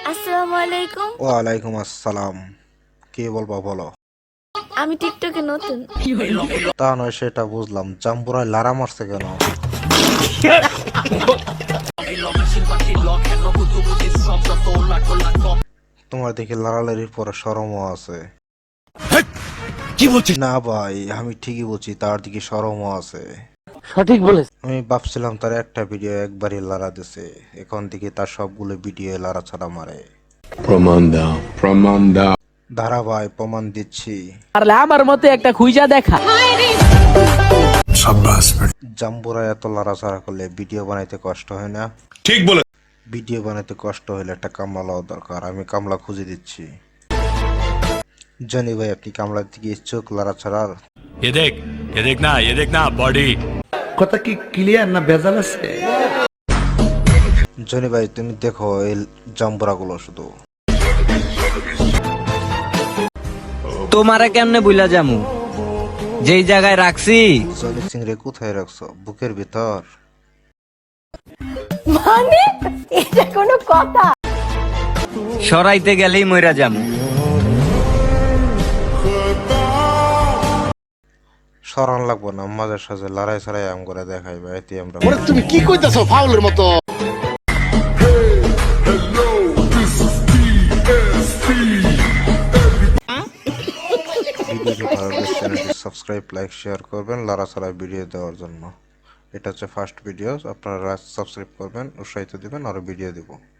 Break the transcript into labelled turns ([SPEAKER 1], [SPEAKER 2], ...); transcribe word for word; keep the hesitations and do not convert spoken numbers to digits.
[SPEAKER 1] আসসালামু আলাইকুম।
[SPEAKER 2] ওয়ালাইকুম আসসালাম। কি বলবো বলো?
[SPEAKER 1] আমি টিকটকে নতুন।
[SPEAKER 2] তা নয় সেটা বুঝলাম, জাম্বুরায় লারা মারছে কেন? তোমার দেখি লারালারির পরে শরমও আছে।
[SPEAKER 3] কি বলছিস?
[SPEAKER 2] না ভাই, আমি ঠিকই বলছি, তার দিকে শরমও আছে।
[SPEAKER 3] সঠিক বলেছ।
[SPEAKER 2] আমি ভাবছিলাম তার একটা ভিডিও একবারই লারা দিছে, এখন থেকে তার সবগুলো ভিডিও লারা ছাড়া মারে।
[SPEAKER 4] প্রমাণ দাও, প্রমাণ দাও।
[SPEAKER 2] দাঁড়া ভাই, প্রমাণ দিচ্ছি।
[SPEAKER 3] পারলে আমার মতে একটা খুঁজা দেখা।
[SPEAKER 2] জাম্বুরায় এত লাড়াচাড়া করলে ভিডিও বানাইতে কষ্ট হয় না?
[SPEAKER 4] ঠিক বলে।
[SPEAKER 2] ভিডিও বানাইতে কষ্ট হলে একটা কামলা লওয়া দরকার, আমি কামলা খুঁজে দিচ্ছি। জানি ভাই, আপনি কামলার দিকে ইচ্ছুক লাড়া ছাড়ার?
[SPEAKER 5] ये देख ये देख ना ये देख ना बॉडी।
[SPEAKER 6] কথা কি ক্লিয়ার না ভেজাল আছে?
[SPEAKER 2] জনি ভাই, তুমি দেখো এই জাম্বুরাগুলো শুধু।
[SPEAKER 7] তোমারে কেমনে বুইলা যামু যেই জায়গায় রাখছি?
[SPEAKER 2] জনি সিং রে কোথায় রাখছো? বুকের ভিতর?
[SPEAKER 1] মানে এটা কোনো কথা?
[SPEAKER 7] সরাইতে গেলেই মইরা যামু।
[SPEAKER 2] সরান লাগবো না, মাঝে সাঝে লড়াই ছাড়াই আম করে দেখাইবা, এতে আমরা
[SPEAKER 6] তুমি কি কইতাছো ফাউলের মতো?
[SPEAKER 2] ভিডিওটি ভালো লাগলে চ্যানেলটি সাবস্ক্রাইব, লাইক, শেয়ার করবেন লড়া ছাড়া ভিডিও দেওয়ার জন্য। এটা হচ্ছে ফার্স্ট ভিডিও, আপনারা সাবস্ক্রাইব করবেন, উৎসাহিত দিবেন, আরো ভিডিও দিব।